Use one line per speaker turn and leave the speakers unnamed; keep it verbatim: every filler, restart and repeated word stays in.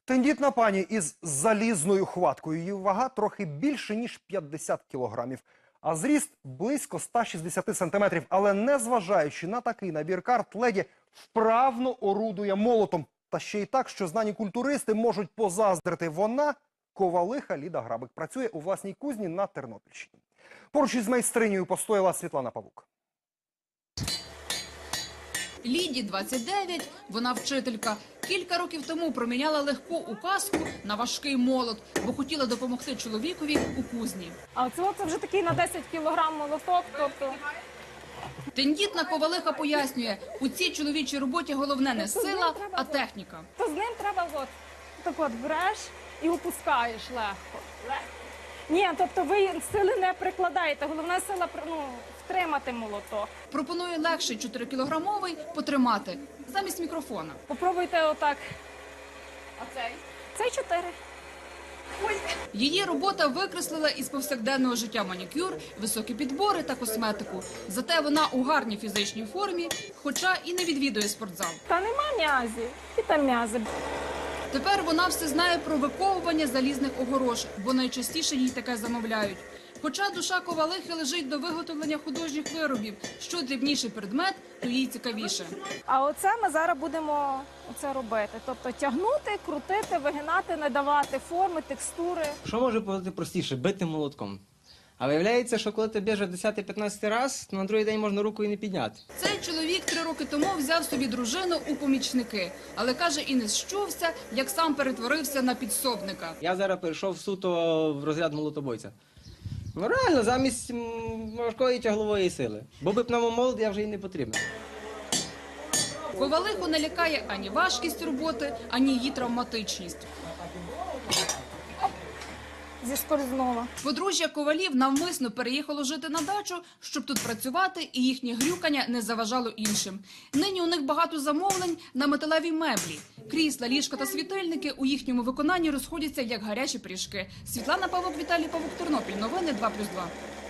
Тендітна пані із залізною хваткою. Її вага трохи більше, ніж п'ятдесят кілограмів. А зріст близько ста шістдесяти сантиметрів. Але незважаючи на такий набір карт, леді вправно орудує молотом. Та ще й так, що знані культуристи можуть позаздрити. Вона – ковалиха Ліда Грабик. Працює у власній кузні на Тернопільщині. Поруч із майстринею постояла Світлана Павук.
Ліді двадцять дев'ять, вона вчителька. Кілька років тому проміняла легку указку на важкий молот, бо хотіла допомогти чоловікові у кузні.
А це, це вже такий на десять кілограм молоток, тобто...
Тендітна ковалиха пояснює, у цій чоловічій роботі головне не сила, а техніка.
То з ним треба от, так от береш і опускаєш легко. Ні, тобто ви сили не прикладаєте, головна сила ну, втримати молоток.
Пропонує легший чотирикілограмовий потримати замість мікрофона.
Попробуйте отак.
А цей?
Цей чотири.
Її робота викреслила із повсякденного життя манікюр, високі підбори та косметику. Зате вона у гарній фізичній формі, хоча і не відвідує спортзал.
Та нема м'язів, і там м'язи.
Тепер вона все знає про виковування залізних огорож, бо найчастіше їй таке замовляють. Хоча душа ковалихи лежить до виготовлення художніх виробів. Що дрібніший предмет, то їй цікавіше.
А оце ми зараз будемо оце робити. Тобто тягнути, крутити, вигинати, надавати форми, текстури.
Що може бути простіше? Бити молотком. А виявляється, що коли ти б'єш десятий-п'ятнадцятий раз, то на другий день можна руку і не підняти.
Цей чоловік три роки тому взяв собі дружину у помічники. Але, каже, і не щувся, як сам перетворився на підсобника.
Я зараз перейшов суто в розряд молотобойця. Ну реально, замість м, важкої тяглової сили. Бо би пневмомолот я вже й не потрібен.
Ковалиху не лякає ані важкість роботи, ані її травматичність.
Зіскользнула.
Подружжя ковалів навмисно переїхало жити на дачу, щоб тут працювати і їхнє грюкання не заважало іншим. Нині у них багато замовлень на металеві меблі. Крісла, ліжка та світильники у їхньому виконанні розходяться як гарячі пиріжки. Світлана Павук, Віталій Павук, Тернопіль. Новини два плюс два.